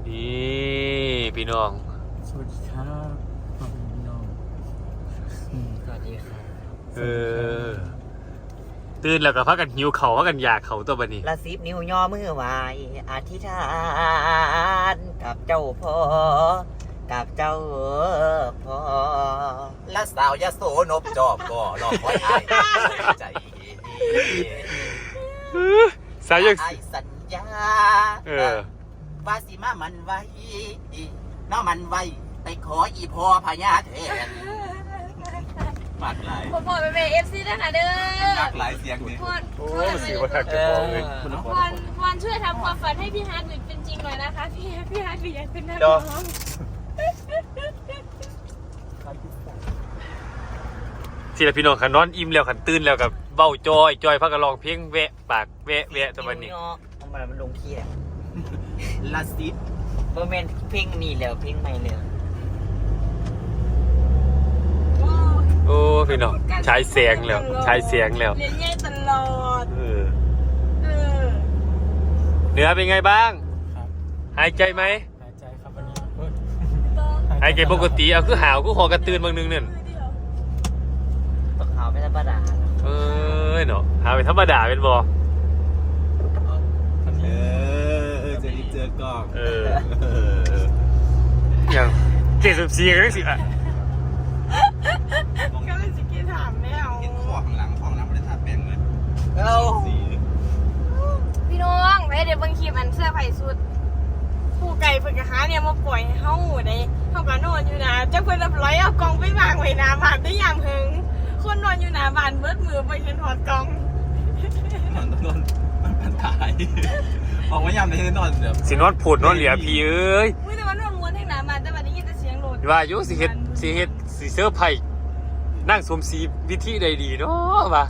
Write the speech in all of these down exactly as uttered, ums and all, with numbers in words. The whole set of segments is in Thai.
นี่พี่น้องสวัสดีครับพ่อเป็นพี่น้องสวัสดีครับเออตื่นแล้วก็พักกันหิวเข่าพักกันอยากเข่าตัวบันนี้ละสิบนิ้วย่อมือไหวอธิษฐานกับเจ้าพ่อกับเจ้าพ่อและสาวยโสนบจอบก็รอคอยไอ้ใจสายยังไอ้สัญญาเออว่าสิมามันไว้น้อมันไว้ไปขออีพ่อพญาแทนมากหลายผมบอกไปเป็นเอฟซีด้วยค่ะเด้อมากหลายเสียงนี่พรโอ้สิว่าจะบอกเลยพรพรช่วยทำความฝันให้พี่ฮาร์ดเป็นจริงหน่อยนะคะพี่พี่ฮาร์ดอยากเป็นนักร้องทีละพี่น้องขันนอนอิ่มแล้วขันตื่นแล้วกับเบ้าจอยจอยพักกันลองเพียงแวะปากแวะแวะตัวบันนี้ทำไมมันลงที่แหละลาซิดเพราะแมนเพ่งนี่แล้วเพ่งไม่เลยโอ้พี่น้องใช้เสียงแล้วใช้เสียงแล้วเรียนแย่ตลอดเออเนื้อเป็นไงบ้างหายใจไหมหายใจครับวันนี้หายใจปกติเอาคือหาวคือหอกระตือนบางนึงเนี่ยตกหาวไม่ธรรมดาเออเนาะหาวเป็นธรรมดาเป็นบ่เออจะได้เจอกล้องเอออย่างเกศสุสีกันได้สิอ่ะก็เลยจะกินถามแมวเห็นข้อข้างหลังข้างหลังไม่ได้ทาแป้งเลยเอาพี่น้องไปเดี๋ยวบางคลิปอันเสื้อไผ่สุดผู้ไก่เพิ่งกระหาเนี่ยมาปล่อยให้เฮาได้เฮาก็นอนอยู่นะเจ้าเพิ่นรับร้อยเอากองไปวางไว้หน้าบ้านได้อย่างหึงคนนอนอยู่หน้าบ้านเบิดมือไปเห็นหอดกองนอนนอนมันมันตายออกมายามในที่นอนเดี๋ยวสินอนผุดนอนเหลียพี่เอ้ยอุ้ยแต่มันนอนม้วนให้หน้าบ้านแต่วันนี้ยินแต่เสียงโหลดว่ายุสิเฮ็ดสิเฮ็ดสิเสื้อไผ่นั่งสวมสีวิธีใดดีเนาะว่า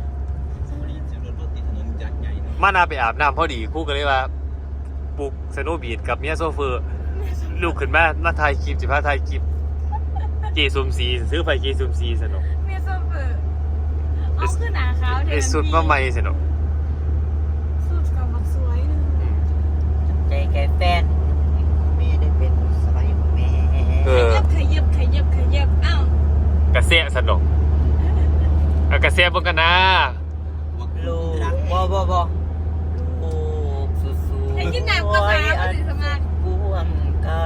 มานาไปอาบน้ำพอดีคู่กันเลยว่าปลุกสโนบีดกับเมียโซเฟอร์ลูกขึ้นมามาถ่ายคลิปสิพาถ่ายคลิปเกสวมสีซื้อไผ่เกสวมสีสนุกเมียโซเฟอร์เอาขึ้นหนาขาวเดี๋ยวสุดมาใหม่สนุกสุดกับมันสวยนึงใจแกแฟนไม่ได้เป็นสบายของแม่ขยับขยับขยับขยับอ้าวกระเซะสนุกเอากระเซะบนกันนะลูกบ่บ่บ่ลูกสู้ๆให้กินน้ำก็มาก็ถึงสมาธิบวมไกล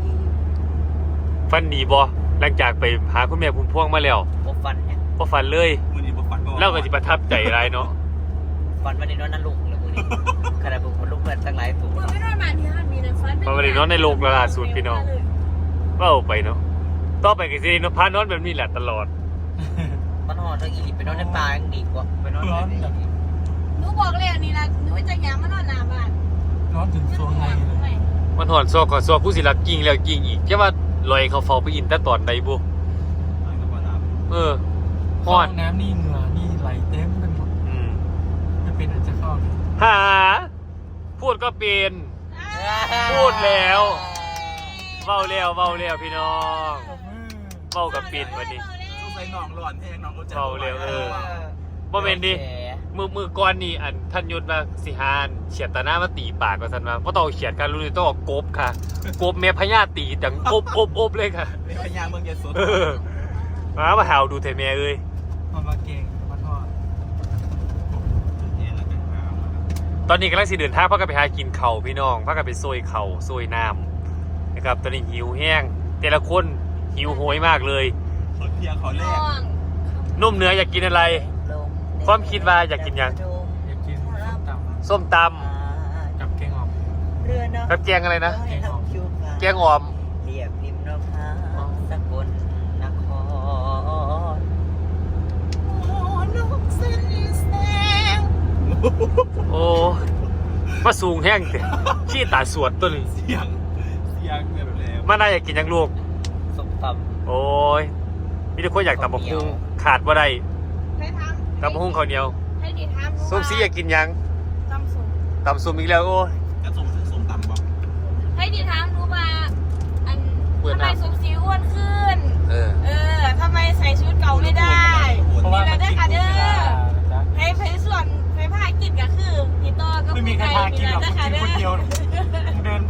ฟันดีบ่หลังจากไปหาคุณแม่พุ่มพวงมาแล้วบ่ฟันเนี่ยบ่ฟันเลยมื้อนี้บ่ฟันบ่เล่าก็สิประทับใจหลายเนาะฟันวันนี้นอนนั่นลูกเลยมื้อนี้ขนาดบุกคนลูกเพิ่นตั้งหลายตัวมื้อไม่นอนบ้านที่ห้ามีเลยฟันวันนี้นอนในโรงล่าสุดพี่น้องเว้าไปเนาะต่อไปก็สิเนาะพานอนแบบนี้แหละตลอดมันหอดเรื่องอีหลีไปนอนในป่ายังดีกว่าไปนอนในนี้หนูบอกเลยอันนี้ละหนูจะย้ำมานอนหน้าบ้านร้อนถึงโซนไหนเลยมันหอนซอกก่อนซอกผู้สิรักกิ่งแล้วกิ่งอีกแค่ว่าลอยเขาเฝ้าไปอินแต่ตอนใดบุเออหอนน้ำนี่เหงื่อนี่ไหลเต็มไปหมดอืมไม่เป็นอาจจะเข้าหาพูดก็เป็นพูดแล้วเว้าแล้วเว้าแล้วพี่น้องเว้ากับปิ่นวันนี้ใส่หนองร้อนแห้งหนองก็จะเว้าแล้วเออบ่แม่นดิมือมือก่อนนี่อันท่านยุทธมาสิหานเฉียดตาหน้ามาตีปากก็ซั่นว่าบ่ต้องเฉียดกันรู้นี่ต้องกบค่ะกบแม่พญาตีดังกบกบอบเลยค่ะแม่พญาเมืองยโสเออมามาหาวดูเถอะแม่เอ้ยมามาเก่งมาทอดตอนนี้กำลังสิเดินทางพากันไปหากินข้าวพี่น้องพากันไปซอยข้าวซอยน้ำนะครับตอนนี้หิวแห้งแต่ละคนหิวโหยมากเลยขอเพียงขอแรกนุ่มเนื้ออยากกินอะไรความคิดว่าอยากกินยังอยากกินส้มตำกับแกงอ่อมกับแกงอะไรนะแกงอ่อมเรียบริมนภาสกลนครโอ้นกเส้นแสงโอ้มาสูงแห้งเสียขี้ตาสวดตัวนี้เสียงเสียงแบบแรงมาน่าอยากกินยังลูกส้มตำโอ้ยมีทุกคนอยากตำบักหุ่งขาดว่าได้ตำบักหุ่งข้าวเหนียวส้มซีอยากกินยังตำส้มตำส้มอีกแล้วโอ้ยจะส้มส้มตำบ่ให้ดีถามรู้มาอันทำไมส้มซีอ้วนขึ้นเออเออทำไมใส่ชุดเก่าไม่ได้มีอะไรได้ค่ะเด้อให้ไปส่วนไปพากินก็คือพี่โตก็ไม่มีใครพากินหรอกกินคนเดียวเดินไปซื้อคนเดียว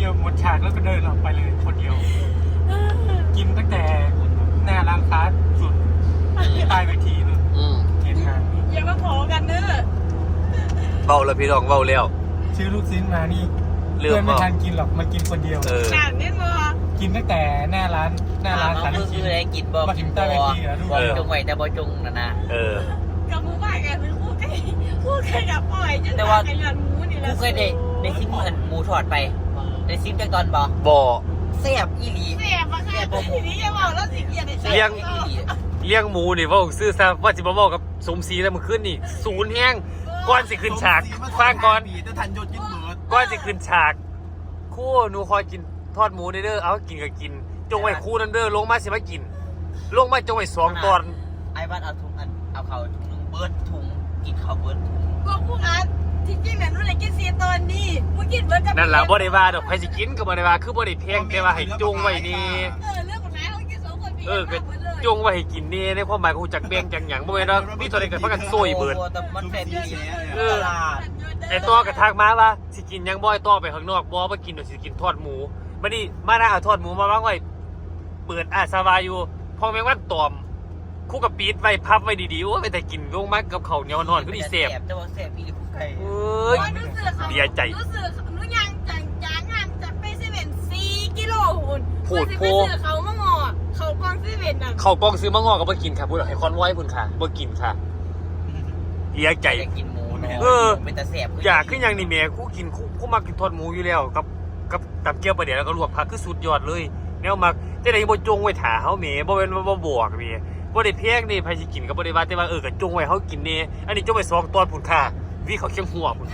อหมดฉากแล้วก็เดินออกไปเลยคนเดียว กินตั้งแต่หน้าร้านค้าสุดใต้เวทีนู่นอืมเกียรติงานอย่ามาขอกันเด้อเบาแล้วพี่น้องเบาแล้วซื้อลูกชิ้นมานี่เริ่มเพื่อนไม่เบาทันกินหรอกมากินคนเดียวเออหนานเนี่ยมั้งกินตั้งแต่หน้าร้านหน้าร้านน้องสารคือคิคือดอะไรกินบ่มาถึกินงใต้บ่เวทีอะลูกบ่จงไว้แต่บ่จงนะนะเออกับหมูบ้านกันเป็นคู่กันคู่กันกับปล่อยจนแต่ว่าขยันหมูนี่แหละกูเคยได้ได้ซิมเหมือนหมูทอดไปได้ซิมจากตอนบ่บ่อแซ่บอีหลีเสียบอะค่ะทีนี้จะบอกแล้วสิเกียรติเลี้ยงอีหลีเลี้ยงหมูนี่เว่าซื้อซะว่าสิบ่เว้ากับสมศรีแล้วมื้อคืนนี่ศูนย์แฮงก่อนสิขึ้นฉากฟังก่อนจะทันยศยิ่งเหมือนก่อนสิขึ้นฉากครู่หนูคอยกินทอดหมูเด้อเอากินก็กิน จงไว้คู่นั้นเด้อลงมาสิมากิน ลงมาจงไว้สองตอนไอ้บ้านเอาถุงอันเอาเขาถุงนึงเบิร์ดถุงกินข้าวเบิร์ดถุงก็พวกนั้นที่จริงเนี่ยนู่นเลยกินซีตอนนี้มึงกินเบิร์ดกับนั่นล่ะบ่ได้ว่าดอกใครสิกินก็บ่ได้ว่าคือบ่ได้แพงแต่ว่าให้จงไว้นี่เออเรื่องของนายเขากินสองคนพี่เออก็จงไว้ให้กินนี่ในความหมายของจักแบ่งจังหยังบ่แม่นว่ามีเท่าใดก็พากันซวยเบิดโอ้แต่มันแซ่บอีหลีเออตลาดไอ้ตัวกระทักมาว่าสิกินหยังบ่ไอ้ตัวไปข้างนอกบ่บ่กินดอกสิกินทอดหมูบัดนี้มานะเอาทอดหมูมาวางไว้เปิดอาสวาอยู่พอแมงวันตอมคู่กับปีดไว้พับไว้ดีๆโอ้ยไปแต่กินลงมากับข้าวเหนียวนอนก็ดีแซ่บแต่ว่าแซ่บอีหลีผู้ไก่เอ้ยรู้สึกเขาเสียใจรู้สึกรู้ยังจังจางงานจากไปเซเว่นสี่กิโลหุ่นพูดไปโพซื้อเขามางอเขากองเซเว่นน่ะข้าวกล้องซื้อมางอก็บ่กินค่ะพูดให้คอนไว้พุ่นค่ะบ่กินค่ะเสียใจอยากกินหมูเนาะเออเป็นตาแซ่บอยากขึ้นอย่างนี้แม่คู่กินคู่คู่มากินทอดหมูอยู่แล้วกับกับตับเกี๊ยวปลาเดี๋ยวแล้วก็ลวกผักคือสุดยอดเลยแนวมักแต่ไหนบ่จงไว้ถาเฮาแหม่บ่แม่นว่าบ่บอกแหม่บ่ได้แพงนี่ไผสิกินก็บ่ได้ว่าแต่ว่าเออก็จงไว้เฮากินแน่อันนี้จงไว้สองตอนพุ่นค่ะวิเขาเคียงหัวพุ่น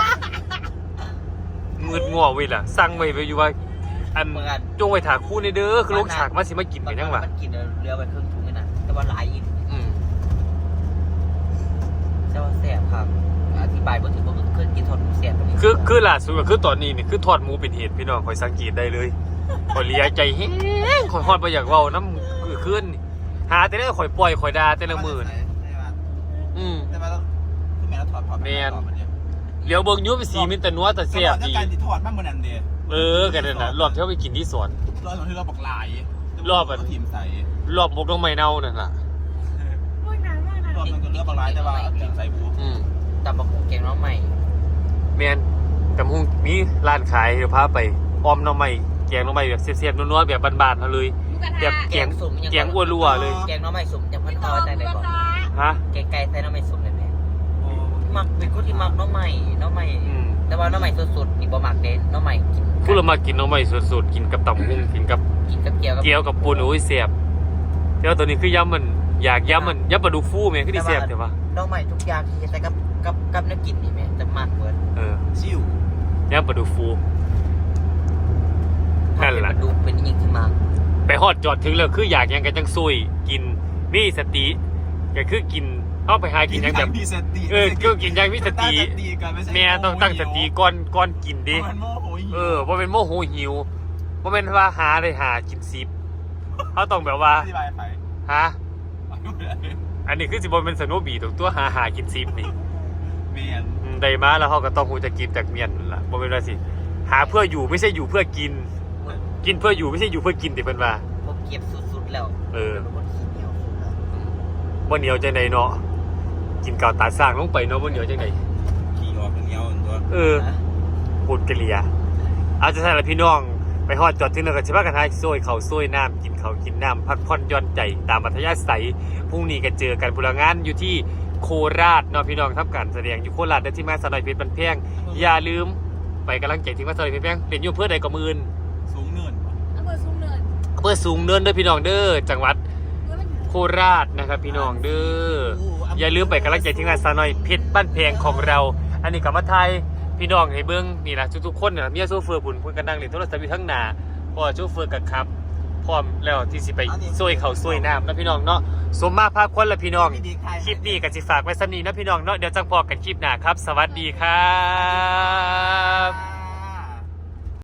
มืดงัวเว้ยล่ะสั่งไว้ไว้อยู่ว่าอันจงไว้ถาคู่ในเด้อคือลงฉากมาสิมากินกันยังวะมันกินเรือไปครึ่งถุงนี่นะแต่ว่าหลายอีกอืมแต่ว่าแซ่บครับอธิบายบ่ถึงว่าเคยกินทอดหมูแซ่บปานนี้คือคือล่าสุดก็คือตอนนี้นี่คือทอดหมูเป็นเหตุพี่น้องข่อยสังเกตได้เลยข่อยเลียใจแฮงข่อยฮอดบ่อยากเว้าน้ำคือคืนนี่หาแต่ละข่อยปล่อยข่อยด่าแต่ละมื้อนี่อืมแต่ว่าคือแม่เราถอดถอดแม่น เหลียวเบิ่งอยูไปสีมินแต่นัวแต่เสียบดีดีการที่ถอดมากเหมือนอันเดียเออกันนั่นน่ะรอบที่เขาไปกินที่สวนรอบที่เราบอกหลายรอบอันทีมใส่รอบมกน้องไม้เน่านั่นล่ะพวกนั้นพวกนั้นรอบมันก็เลือกบอกหลายแต่ว่าทีมใส่บูอืมตำบักหุ่งแกงน้องใหม่แมนกับหุงมีร้านขายเดี๋ยวพาไปออมหน้องไม้แกงหน้องไม้แบบเสียบๆนัวๆแบบบานๆเขาเลยหมูกระแบบทะแกงแกงอ้วนรัวเลยแกงน้องใหม่สุ่มยังพันต่พออหใจมูได้กระบ่ทะฮะแกงไก่ใส่น้องใหม่สุ่มเลยแม่มักเป็นคนที่มักน้องใหม่น้องใหม่อืมแต่ว่าน้องใหม่สดๆนี่บ่มักเด่นน้องใหม่กินพูดเรามากินหน้องไม้สดๆกินกับตำหุงกินกับกินกับเกี๊ยวกับเกี๊ยวกับปูนโอ้ยเสียบแต่ว่าตัวนี้คือยำมันอยากยำมันยำปลาดุกฟูแม่คือดีเสียบใช่ปะน้องใหม่ทุกอย่างที่ใส่กับกับกับน้ำกินนี่แม่จะมักเบิดเออชิวยำปลาดุกฟู นั่นแหละดูเป็นยิ่งที่มักไปฮอดจอดถึงแล้วคืออยากหยังกันจังซุยกินมีสติก็คือกินเข้าไปหากินหยังแบบมีสติเออก็กินหยังมีสติ แม่ต้องตั้งสติก่อนก่อนกินดิมันโมโหเออบ่เป็นโมโหหิวบ่เป็นว่าหาได้หากินซิบเขาต้องแบบว่าอธิบายไปฮะอันนี้คือสิบ่เป็นสโนว์บีตรงตัวหาหากินซิบนี่เมียนอืมได้มาแล้วเขาก็ต้องฮู้จะกินจากเมียนนั่นล่ะบ่เป็นว่าสิหาเพื่ออยู่ไม่ใช่อยู่เพื่อกิน กินเพื่ออยู่ไม่ใช่อยู่เพื่อกินติเพิ่นว่าผมเก็บสุดๆแล้วเออเป็นคนขี้เหนียวสุดแล้วบ่เหนียวจังไดเนาะกินกาวตาสร้างลงไปเนาะบ่เหนียวจังไดขี่ออกเหนียวตัวเออพูดกะเลียเอาจะใช่ละพี่น้องไปฮอดจอดถึงแล้วก็สิพากันหาซวยข้าวซวยน้ำกินข้าวกินน้ำพักผ่อนหย่อนใจตามอัธยาศัยพรุ่งนี้ก็เจอกันพลังงานอยู่ที่โคราชเนาะพี่น้องทำการแสดงอยู่โคราชได้ที่มาสนอยเพชรบันแพงอย่าลืมไปกำลังใจที่มาสนอยเพชรบันแพงเรียนอยู่เพื่อใดก็มื่นสูงเนินอำเภอสูงเนินเพื่อสูงเนินเด้อพี่น้องเด้อจังหวัดเมื่อมันโคราชนะครับพี่น้องเด้ออย่าลืมไปกำลังใจที่งานสนอยเพชรบ้านแพงของเรา อันนี้กับมาไทยพี่น้องให้เบิ้งนี่นะทุกๆคนเนี่ยเมียโซเฟอร์บุญพูดกันดังเลยโทรศัพท์อยู่ทั้งหน้าพอโซเฟอร์กับครับพร้อมแล้วที่สิไปซวยเขาซวยน้ำนะพี่น้องเนาะสมมาภาคคนละพี่น้องคลิปนี้ก็สิฝากไว้สำนีนะพี่น้องเนาะเดี๋ยวจังพอกันคลิปหน้าครับ สวัสดีครับ